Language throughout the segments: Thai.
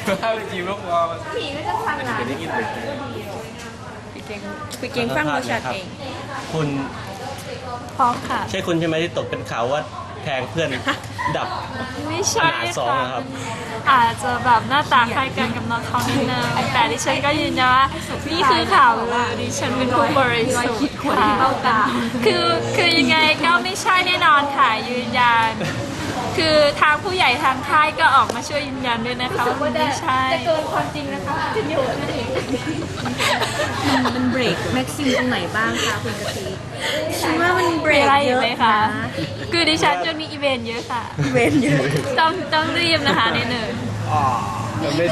ถ้าไปจีบลูกวอลผีก็จะฟังร้านได้ยินเลยคุยเก่งฟังโมชัดเองคุณพร้อมค่ะใช่คุณใช่ไหมที่ตกเป็นข่าวว่าแทงเพื่อนดับไม่ใช่ขนาดสองอะครับอาจจะแบบหน้าตาคล้ายกันกับน้องเขานิดนึงแต่ดิฉันก็ยืนยันว่านี่คือข่าวลือดิฉันเป็นผู้บริสุทธิ์ค่ะคือยังไงก็ไม่ใช่แน่นอนค่ะยืนยันคือทางผู้ใหญ่ทางค่ายก็ออกมาช่วยยืนยันด้วยนะคะว่าไม่ใช่จะเกินความจริงนะคะจะอยู่นั่นเองมันเบรกแม็กซิมตรงไหนบ้างคะคุณกะทิฉันว่ามันเบรมีกอะไรเยอีกอะไหมนะคะคือดิฉันจะมีอีเวนต์เยอะค่ะเวนเยอะต้องรีบนะคะนิดหนึ่งจะไม่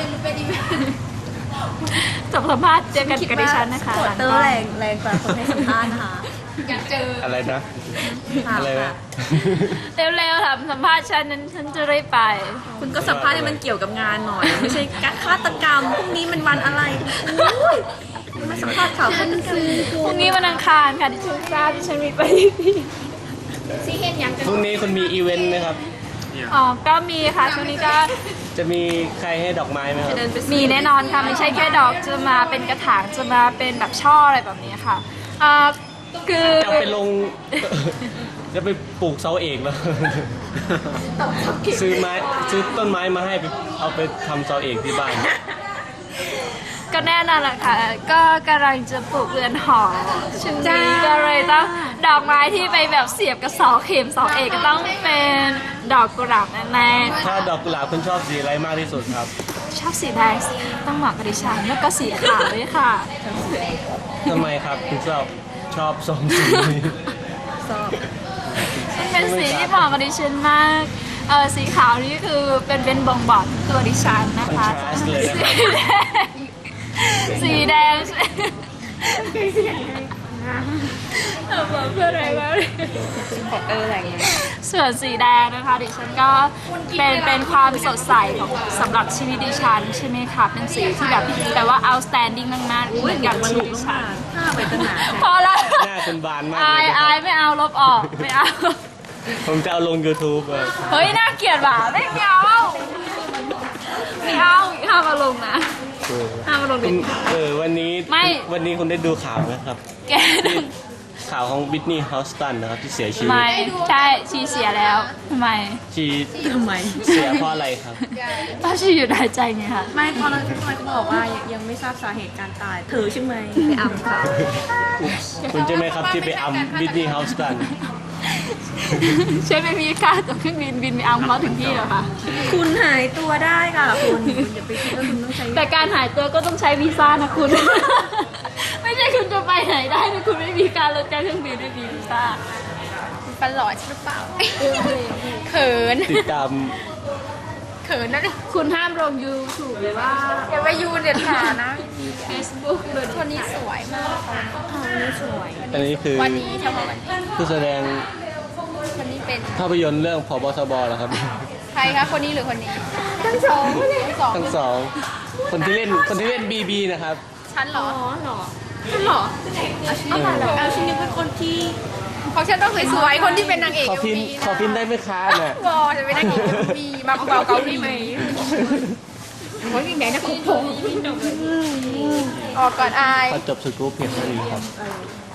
จบสัมภาษณ์เจอกันกับดิฉันนะคะโคตรเตอร์แรงกว่าคนให้สัมภาษณ์นะคะอะไรนะ อะไรนะเร็วๆทำสัมภาษณ์ฉันนั้นฉันจะรีบไปคุณก็สัมภาษณ์ให้มันเกี่ยวกับงานหน่อย ไม่ใช่การฆาตกรรมพรุ่งนี้มันวันอะไรอุ้ยมาสัมภาษณ์ข่าวฆาตกรรมพรุ่งนี้วันอังคารค่ะที่ฉันทราบที่ฉันมีปฏิทินซีเห็นยังพรุ่งนี้คุณมีอีเวนต์ไหมครับอ๋อก็มีค่ะช่วงนี้ก็จะมีใครให้ดอกไม้ไหมครับมีแน่นอนค่ะไม่ใช่แค่ดอกจะมาเป็นกระถางจะมาเป็นแบบช่ออะไรแบบนี้ค่ะคือจะไปลง จะไปปลูกเสาเอกแล้ว ซื้อต้นไม้มาให้ไปเอาไปทำเสาเอกที่บ้านก็แน่นอนแหละค่ะก็กำลังจะปลูกเรือนหอช่วงนี้ก็เลยต้องดอกไม้ที่ไปแบบเสียบกับเสาเข็มเสาเอกก็ต้องเป็นดอกกุหลาบแน่ๆถ้าดอกกุหลาบคุณชอบสีอะไรมากที่สุดครับชอบสีแดงต้องเหมาะกับดิฉันแล้วก็สีขาวด้วยค่ะทำไมครับคุณชอบสองสีนี้มันเป็นสีที่เหมาะกับดิฉันมากสีขาวนี่คือเป็นบ่งบอกถึงตัวดิฉันนะคอนคะทราสต์เลยนะครับสีแดงบอกเพื่ออะไรวะแรงส่วนสีแดงนะคะดิฉันก็เป็นความสดใสของสำหรับชีวิตดิฉันใช่ไหมคะเป็นสีที่แบบว่า outstanding มากๆเหมือนกับชีวิตดิฉันผ้าไปตั้งนานพอแล้วหน้าคุณบานมากอาเลย ยนะคอารับยไม่เอาลบออกไม่เอาผมจะเอาลง YouTube อะเฮ้ยน่าเกลียดว่ะไม่เอาไม่เอาห้ามมาลงนะห้ามมาลงคุดิณวันนี้ไม่วันนี้คุณได้ดูข่าวไหมครับแกที่ข่าวของบิทนี่ฮอสตันนะครับที่เสียชีวิตไม่ใช่ชีเสียแล้วทำไมชีทำไมเสียเพราะอะไรครับเพราะชีหยุดหายใจไงคะไม่ตอนนั้นเขาบอกว่ายังไม่ทราบสาเหตุการตายเธอใช่ไหมไปอ่ำค่ะคุณใช่ไหมครับที่ไปอัมบิทนี่ฮอสตันใช่ไม่มีค่าตัวเครื่องบินไปเอาเขาถึงที่เหรอคะคุณหายตัวได้ค่ะคุณอย่าไปคิดว่าคุณต้องใช้แต่การหายตัวก็ต้องใช้วีซ่านะคุณ ไม่ใช่คุณจะไปไหนได้ถ้าคุณไม่มีการลดการเครื่องบินไม่มีวีซ่าประหลอดหรือเปล่า เขินติดตามเขินนะดิคุณห้ามลง YouTube เลยว่าอย่าไปยูเด็ดขาดนะ Facebook เลยวันนี้สวยมากอันนี้คือวันนี้เฉพาะวันนี้ผู้แสดงวันนี้เป็นภาพยนตร์เรื่องพบทบเหรอครับใครคะคนนี้หรือคนนี้ ทั้งสองทั้งสองทั้งสองคนที่เล่นบีบีนะครับฉันเหรอเอาชิ้นนี้เป็นคนที่ของฉันต้องสวยๆคนที่เป็นนางเอกขอพินมีขอพินได้ไหมคะน่ะบอจะเป็นนางเอกมีมาเบาเกาหลีไหมโอ้ยมีแหนนะคุณผมออกก่อนอายพอจบสกู๊ปเพียงเท่านี้ครับ